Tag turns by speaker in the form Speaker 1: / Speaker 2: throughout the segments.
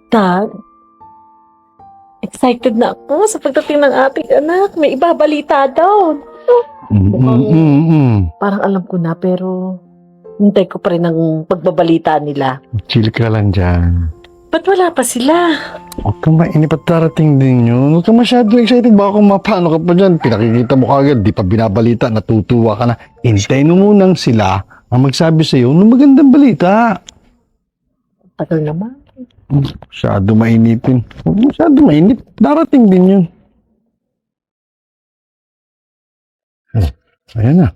Speaker 1: Dad, excited na ako sa pagdating ng ating anak. May ibabalita daw. Parang alam ko na, pero hintay ko pa rin ang pagbabalita nila.
Speaker 2: Chill ka lang dyan.
Speaker 1: Ba't wala pa sila?
Speaker 2: Huwag kang mainip at darating din yun. Huwag kang masyado excited. Baka kung mapano ka pa dyan, pinakikita mo kagad, di pa binabalita, natutuwa ka na. Hintayin mo munang sila ang magsabi sa'yo ng magandang balita.
Speaker 1: Tagal naman.
Speaker 2: Masyado mainipin. Huwag masyado mainip. Darating din yun. Ayan na.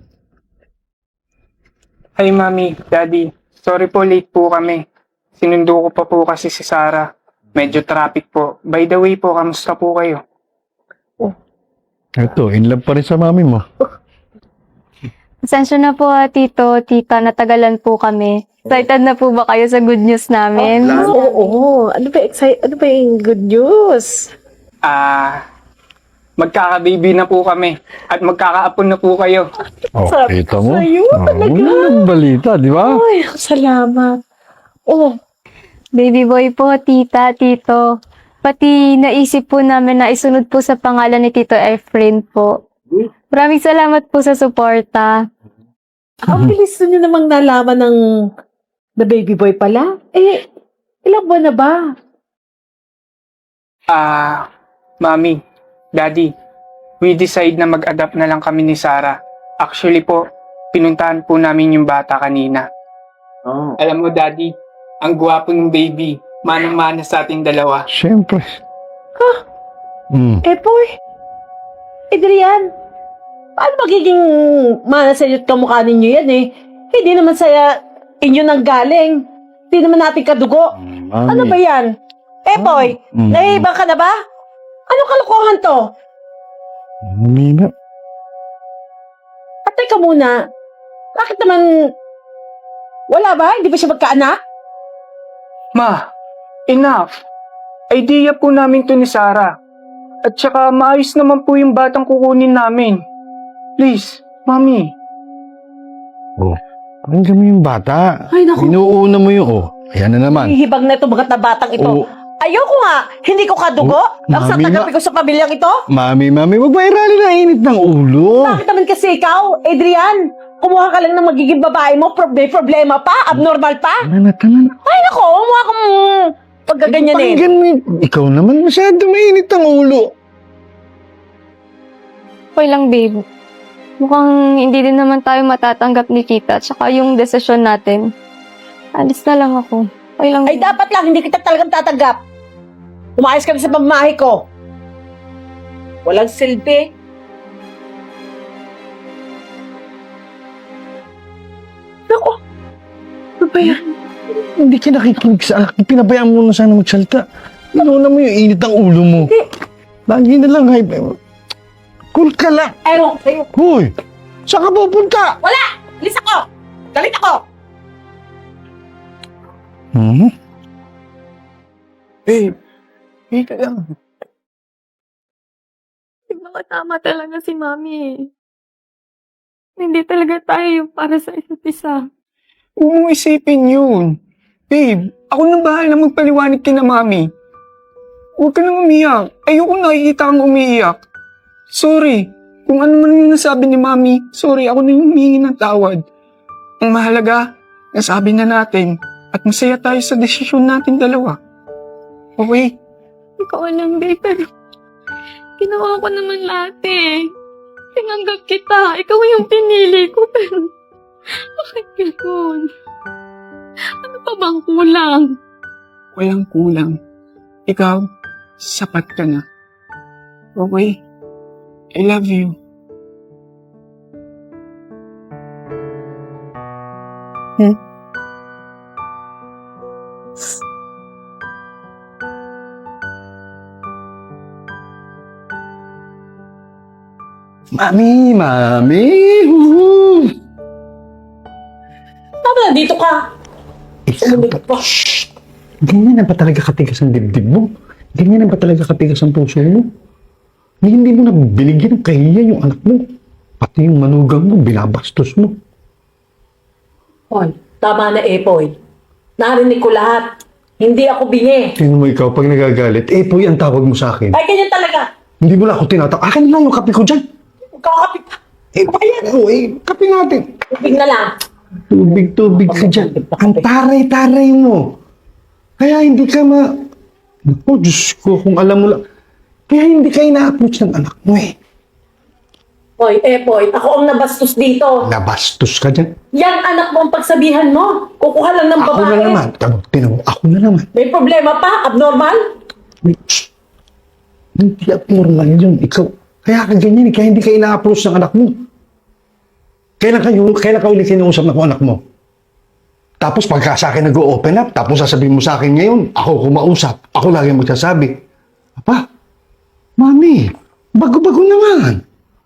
Speaker 3: Hi, Mami, Daddy. Sorry po, late po kami. Sinundo ko pa po kasi si Sarah. Medyo traffic po. By the way po, kamusta po kayo?
Speaker 2: Ito, in love pa rin sa mami mo.
Speaker 4: Pasensya na po tito, tita, natagalan po kami. Excited na po ba kayo sa good news namin?
Speaker 1: Oo. Ano ba yung good news?
Speaker 3: Magkaka-baby na po kami. At magkakaapon na po kayo.
Speaker 2: Oh,
Speaker 1: Sabi
Speaker 2: kita
Speaker 1: ko
Speaker 2: mo.
Speaker 1: sa'yo, talaga.
Speaker 2: Magandang balita, di ba?
Speaker 1: Ay, salamat. Oh,
Speaker 4: Baby boy po, tita, tito. Pati naisip po namin na isunod po sa pangalan ni Tito Efrain po. Maraming salamat po sa suporta.
Speaker 1: ang bilis nyo namang nalaman ng the baby boy pala. Ilang buwan na ba?
Speaker 3: Mami, Daddy, we decide na mag-adapt na lang kami ni Sarah. Actually po, pinuntahan po namin yung bata kanina.
Speaker 1: Oh.
Speaker 3: Alam mo, Daddy, ang gwapo ng baby. Manang-mana sa ating dalawa.
Speaker 2: Siyempre.
Speaker 1: Boy. Adrian, paano magiging manasayot kamukha ninyo yan eh? Hindi naman sa inyo nang galing. Hindi naman natin kadugo.
Speaker 2: Mami.
Speaker 1: Ano ba yan? Boy, nahihibang ka na ba? Anong kalokohan to?
Speaker 2: Mami na.
Speaker 1: At teka muna, bakit naman wala ba? Hindi ba siya magkaanak?
Speaker 3: Ma, enough. Idea po namin to ni Sarah. At saka maayos naman po yung batang kukunin namin. Please, Mami.
Speaker 2: Oh, pakinggan mo yung bata.
Speaker 1: Ay, naku.
Speaker 2: Inuuna mo yung, ayan na naman.
Speaker 1: Hihibang na ito, mga batang ito.
Speaker 2: Oh.
Speaker 1: Ayoko nga, hindi ko kadugo. Ang sa
Speaker 2: Mami,
Speaker 1: tagapi ko sa pamilyang ito.
Speaker 2: Mami, wag ba irali na init ng ulo?
Speaker 1: Bakit naman kasi ikaw, Adrian? Kumuha ka lang ng magiging babae mo, may problema pa, abnormal pa.
Speaker 2: Tama na.
Speaker 1: Ay nako, kumuha kang pagkaganyanin.
Speaker 2: Pakinggan mo ikaw naman masyado mainit ang ulo.
Speaker 4: Okay lang, babe. Mukhang hindi din naman tayo matatanggap ni tita at saka yung desisyon natin. Alis na lang ako. Okay lang.
Speaker 1: Ay dapat lang, hindi kita talagang tatanggap. Umayos ka na sa pamamahay ko. Walang silbi. Nako, ano ba yan?
Speaker 2: Hindi ka nakikinig sa akin. Pinabayaan mo na sana magsalita. Inuuna mo yung init ng ulo mo. Lagi na lang, cool ka lang.
Speaker 1: Ewan ko sa'yo.
Speaker 2: Hoy, saan ka pupunta?
Speaker 1: Wala! Alis ako! Galit ako!
Speaker 3: Wait lang.
Speaker 4: Tama talaga si mami. Hindi talaga tayo yung para sa isa't isa.
Speaker 3: Huwag mong isipin yun. Babe, ako nang bahala magpaliwanag kina Mami. Huwag ka nang umiyak. Ayoko nakikita kang umiiyak. Sorry. Kung ano man yung nasabi ni Mami, sorry, ako na yung humingi ng tawad. Ang mahalaga, nasabi na natin at masaya tayo sa desisyon natin dalawa. Okay?
Speaker 4: Ikaw lang, babe, pero ginawa ko naman lahat eh. Tinanggap kita. Ikaw yung pinili ko, pero bakit gano'n? Ano pa bang kulang?
Speaker 3: Walang kulang. Ikaw, sapat ka na. Okay? I love you.
Speaker 2: Mami.
Speaker 1: Tama na, dito ka. Sumunod pa.
Speaker 2: Ganyan na ba talaga katigas ang dibdib mo? Ganyan na ba talaga katigas ang puso mo? Hindi mo na binigyan ng kahiya yung anak mo. Pati yung manugang mo, binabastos mo.
Speaker 1: Paul, tama na Poy. Narinig ko lahat. Hindi ako bingi.
Speaker 2: Tingnan mo ikaw, pag nagagalit, Epoy ang tawag mo sa akin.
Speaker 1: Ay, ganyan talaga.
Speaker 2: Hindi mo na ako tinatak. Akin na yung kape ko dyan.
Speaker 1: Kakapit.
Speaker 2: Kape natin.
Speaker 1: Tubig na lang.
Speaker 2: Tubig ka dyan. Ang taray-taray mo. Kaya hindi ka Naku, Diyos ko, kung alam mo lang. Kaya hindi ka ina-approach ng anak mo eh.
Speaker 1: Hoy, Epoy, ako ang nabastos dito.
Speaker 2: Nabastos ka dyan.
Speaker 1: Yan anak mo ang pagsabihan mo. Kukuha lang ng
Speaker 2: Ako
Speaker 1: babae.
Speaker 2: na naman. Tinan mo, ako na naman.
Speaker 1: May problema pa? Abnormal?
Speaker 2: Shh. Hindi abnormal yun. Ikaw, kaya ka ganyan eh. Kaya hindi ka ina-approach ng anak mo. Kailan ka ulit kinausap na ko anak mo? Tapos pagka sa akin nag-open up, tapos sasabihin mo sa akin ngayon, ako kumausap, ako lagi magsasabi, Papa, Mami, bago-bago naman.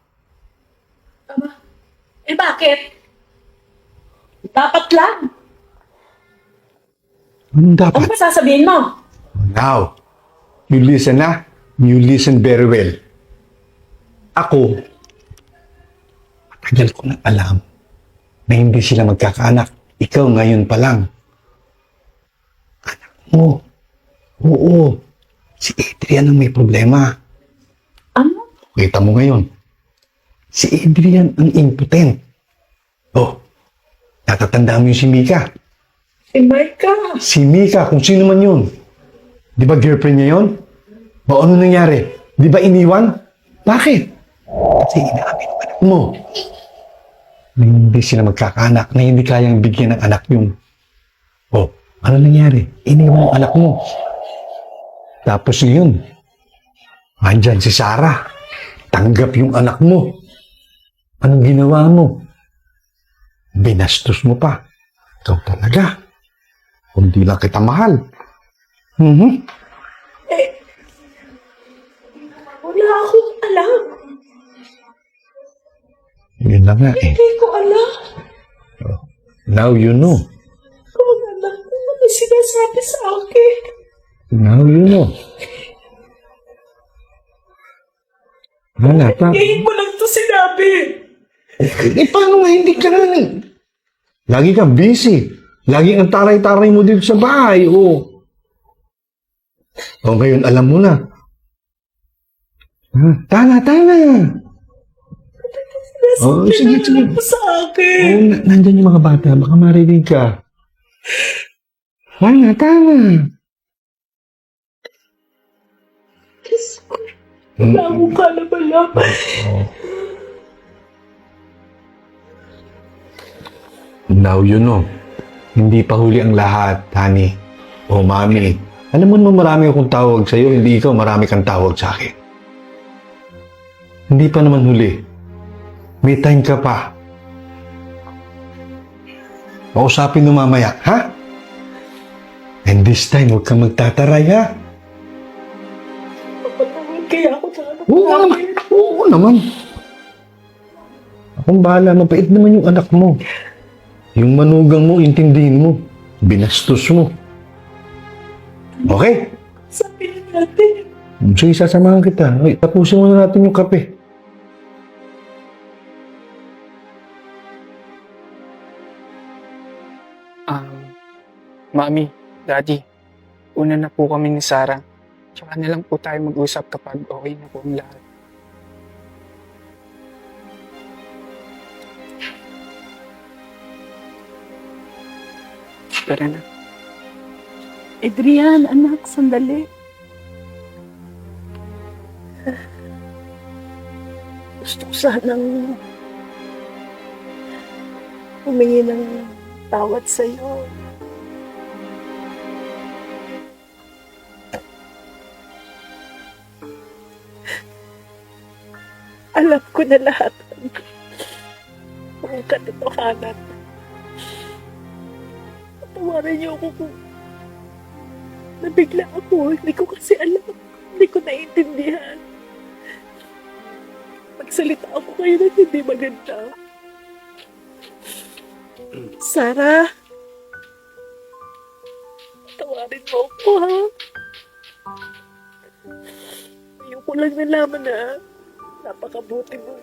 Speaker 1: Eh bakit? Dapat lang.
Speaker 2: Anong
Speaker 1: Ano
Speaker 2: dapat?
Speaker 1: ba sasabihin mo?
Speaker 2: Now, you listen na. You listen very well. Ako, matagal ko na alam na hindi sila magkakaanak. Ikaw ngayon pa lang. Anak mo. Oo. Si Adrian ang may problema.
Speaker 1: Ano?
Speaker 2: Kita mo ngayon. Si Adrian ang impotent. Oh, natatandaan mo yung si Mika.
Speaker 1: Si Micah.
Speaker 2: Si Mika, kung sino man yun. Di ba girlfriend niya yun? O ano nangyari? Di ba iniwan? Bakit? Kasi inaamin ng anak mo. Na hindi sila magkakaanak, na hindi kayang bigyan ng anak yun. O, ano nangyari? Iniwan ang anak mo. Tapos ngayon, andyan si Sarah. Tanggap yung anak mo. Anong ginawa mo? Binastos mo pa. Ikaw talaga. Kung di lang kita mahal.
Speaker 1: Wala akong alam.
Speaker 2: Yun lang nga eh.
Speaker 1: Hindi ko alam.
Speaker 2: Now you know.
Speaker 1: Kung anak mo ano sinasabi sa akin.
Speaker 2: Now you know. Wala pa.
Speaker 1: Ngayon mo lang to sinabi.
Speaker 2: Paano nga hindi ka na lagi kang busy. Lagi ang taray-taray mo dito sa bahay. O ngayon alam mo na. Tana. Oh, sige.
Speaker 1: Ano sa akin?
Speaker 2: Nandyan yung mga bata. Baka marinig ka. Tana.
Speaker 1: Wala akong kalaban-laban.
Speaker 2: Now you know. Hindi pa huli ang lahat, honey. O mami. Alam mo naman marami akong tawag sa'yo, hindi ikaw marami kang tawag sa akin. Hindi pa naman huli. May time ka pa. Pausapin mo mamaya, ha? And this time, huwag kang magtataray, ha?
Speaker 1: Papatawad kaya ako sa anak
Speaker 2: Oo naman. Oo naman. Akong bahala. Mapait naman yung anak mo. Yung manugang mo, intindihin mo. Binastos mo. Okay?
Speaker 1: Sabi na natin.
Speaker 2: Sige, sasamahan kita. Ay, tapusin muna natin yung kape.
Speaker 3: Mami, Daddy, una na po kami ni Sarah. Tsaka na lang po tayo mag-usap kapag okay na po ang lahat. Tara na.
Speaker 1: Adrian, anak, sandali. Gusto ko sanang humingi ng tawad sa'yo. Alam ko na lahat ang katotohanan. Patawarin niyo ako kung nabigla ako. Hindi ko kasi alam. Hindi ko naiintindihan. Magsalita ako kayo na hindi maganda. Sarah, patawarin mo ako, ha? Ayoko lang nalaman na napakabuti mo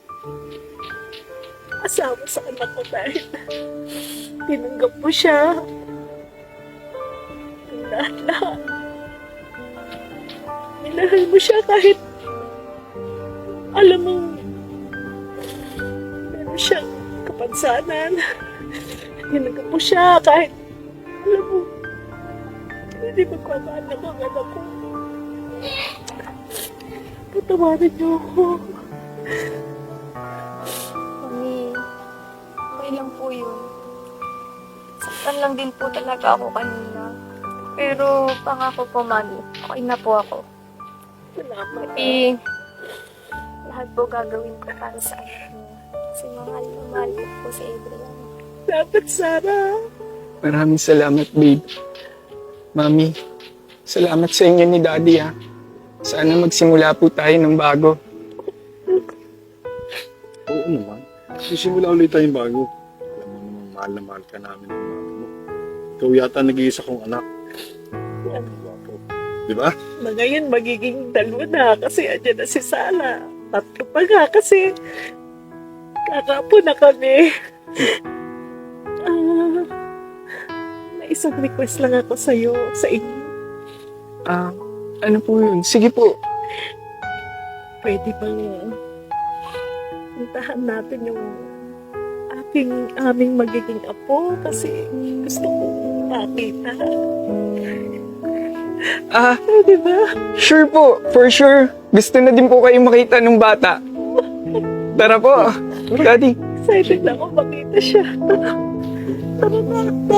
Speaker 1: asawa sa anak ko dahil tinanggap mo siya. lahat-lahat. Minahal mo siya kahit alam mo meron siyang kapansanan. Hinagat mo siya kahit alam mo hindi magpapaanak ang anak ko. Patawarin niyo ako.
Speaker 4: Mami, okay lang po yun. Saktan lang din po talaga ako kanina. Pero pangako po, Mami, okay na po ako.
Speaker 1: Salamat.
Speaker 4: Pati, lahat po gagawin ko para sa anak niyo. Kasi mahal na mahal ko po si Adrian.
Speaker 1: Dapat, Sarah.
Speaker 3: Maraming salamat, babe. Mami, salamat sa inyo ni Daddy, ha. Sana magsimula po tayo ng bago.
Speaker 2: Oo naman. Sisimula ulit tayong bago. Alam mo naman, mahal na mahal ka namin ng mami mo. Ikaw yata nag-iisa kong anak. Ang gwapo. Di ba?
Speaker 1: Na ngayon magiging 2 na kasi andyan na si Sala. 3 pa nga kasi kakapo na kami. May isang request lang ako sa'yo, sa inyo.
Speaker 3: Ano po yun? Sige po.
Speaker 1: Pwede bang puntahan natin yung aming magiging apo kasi gusto kong makita. Di ba?
Speaker 3: Sure po. For sure. Gusto na din po kayo makita ng bata. Tara po. Daddy.
Speaker 1: Excited na ako makita siya. Tara na.